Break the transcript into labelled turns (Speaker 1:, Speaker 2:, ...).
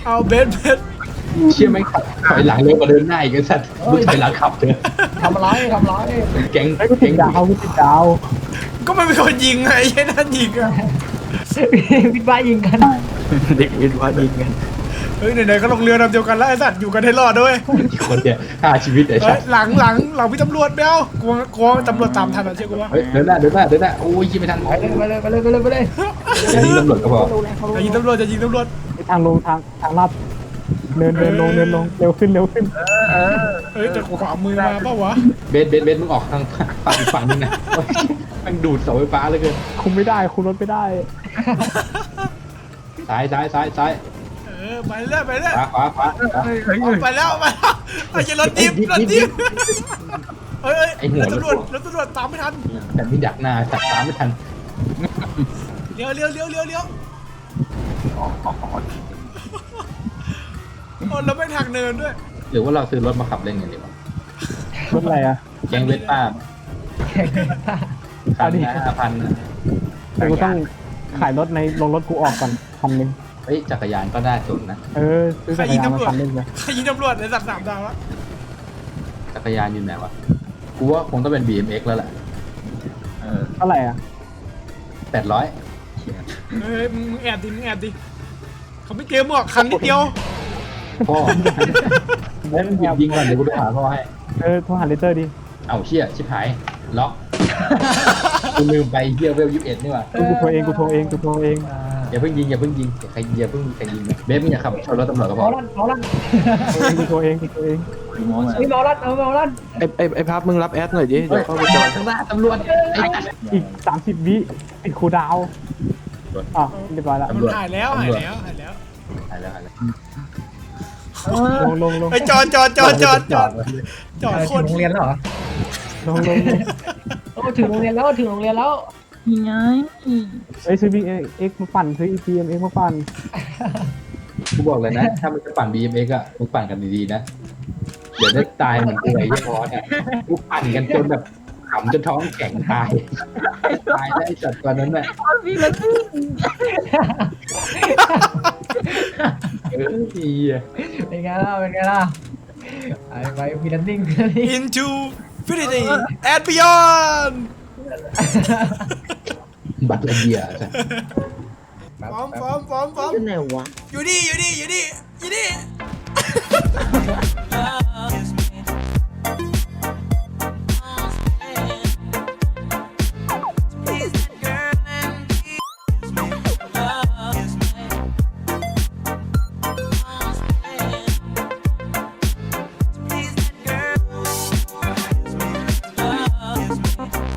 Speaker 1: เอาเบสเบส
Speaker 2: เชี่ยไม่ขับถอยหลังเร็วกว่าเดินหน้าอีกไอ้สัตว์มึงถอยหลังขับเถอะ
Speaker 3: ทำอะไร
Speaker 2: แก๊ง
Speaker 4: ไอ้กูติดดาวกูติดดาว
Speaker 1: ก็มันเป็นคนยิงไงไอ้นั่นยิงอะ
Speaker 3: วิทย์บ้ายิงกัน
Speaker 4: เด็กวิทย์ว่ายิงกัน
Speaker 1: เฮ้ยไหนๆก็ลงเรือลำเดียวกันแล้วไอ้สัตว์อยู่กันให้รอดด้วย
Speaker 2: อีกคนเนี่ยฆ่าชีวิตไอ้
Speaker 1: เฮ้
Speaker 2: สั
Speaker 1: ย
Speaker 2: ตว์
Speaker 1: หลังพี่ตำรวจไม่เอากลัวตำรวจตามทันอ่ะเชื่อกูว่า
Speaker 2: เฮ้ยเดินหน้าโอ้ยยิงไม่ทัน
Speaker 3: ไปเลย
Speaker 2: จะยิงตำรวจก็พอ
Speaker 1: จะยิงตำรวจ
Speaker 4: ทางลงทางลัดเดินลงเร็วขึ้น
Speaker 1: เฮ้ยแต่ขวามือมาเปล่าวะ
Speaker 2: เบสมึงออกทางฝั่งอีกฝั่งนึงนะโอ้ยมันดูดเสาไฟฟ้าเลยเกิน
Speaker 4: คุมไม่ได้คุมรถไม่ได้
Speaker 2: ซ้าย
Speaker 1: ไปเรื่อย
Speaker 2: ขวา
Speaker 1: ไปแล้วไอ้รถจิ๊บเฮ้ยรถตำรวจตามไม่ทัน
Speaker 2: แต่ไม่ดักหน้าสัตว์ตามไม่ทัน
Speaker 1: เลี้ยวโอ้แล้วไม่ทางเนินด้วย
Speaker 2: หรือว่าเราซื้อรถมาขับเล่นกันดีวะ
Speaker 4: รถอะไรอ่ะ
Speaker 2: แก๊งเวสป้าคันละ5,000นะ
Speaker 4: กูต้องขายรถในลงรถกูออกก่อนคันนึง
Speaker 2: เฮ้ยจักรยานก็น่าสนนะ
Speaker 4: ซื้อจักรยานมาคันนึงเลย
Speaker 1: ใครยิงตำรวจในสัตว์3 ดาวแล้ว
Speaker 2: จักรยานอยู่ไหนวะกูว่าคงต้องเป็น BMX แล้วแหละ
Speaker 4: เท่าไหร่อ่ะ
Speaker 2: 800
Speaker 1: เฮ้ยมึงแอบดิเขาไม่เกมหรอกคันนิดเดียว
Speaker 2: พ่อเล่นหยิบยิงก่อนเดี๋ยวกูโทรหาพ่อให้
Speaker 4: โทรหาเลเตอร์ดิ
Speaker 2: เอาเชี่ยชิบหายล็อกกูลืมไปเฮียเวล21นี่ว่ะ
Speaker 4: กูโทรเอง
Speaker 2: อย่าเพิ่งยิงใครอย่าเพิ่งใครยิงนะเบสมึงอย่าขับชนรถตำรวจก็พ
Speaker 3: เมา
Speaker 2: อ
Speaker 3: ลั่น
Speaker 4: กูโทรเอง
Speaker 3: เมาลั่น
Speaker 5: ไอ้พับมึงรับแอดหน่อยดิเดี๋ยวเข้าไปจอย
Speaker 2: ข้างหน้าตำรวจไอ้
Speaker 4: อีก30 วิติดคูดาวเรียบร้อยแล้ว
Speaker 1: มันหายแล้ว
Speaker 2: หายแล้ว
Speaker 4: ลง
Speaker 1: ไอ้จอดโค
Speaker 3: ถึ
Speaker 1: ต
Speaker 3: ง
Speaker 1: ร
Speaker 3: โรงเรียนแล้วเหรอ
Speaker 4: ลง
Speaker 3: ถึงโรงเรียนแล้ว
Speaker 6: ยังไง
Speaker 4: ซื้อ BMX มาปั่นซื้อ BMX มาปั่น
Speaker 2: กูบอกเลยนะถ้ามึงจะปั่น BMX อ่ะมึงปั่นกันดีๆนะเดี๋ยวได้ตายเหมือนกูไอ้ยี่ห้อเนี่ยกูปั่นกันจนแบบขำจนท้องแข็งตายได้ไอ้สัตว์ตัวนั้นแหละ
Speaker 6: พี่มันสิ
Speaker 2: ดีอ่ะ
Speaker 3: เป็นไงล่ะไปพีนันดิ้ง
Speaker 1: into infinity and beyond
Speaker 2: บัตรละเบียร์จ้ะ
Speaker 1: พร้อม
Speaker 6: อยู่ไหนวะ
Speaker 1: อยู่นี่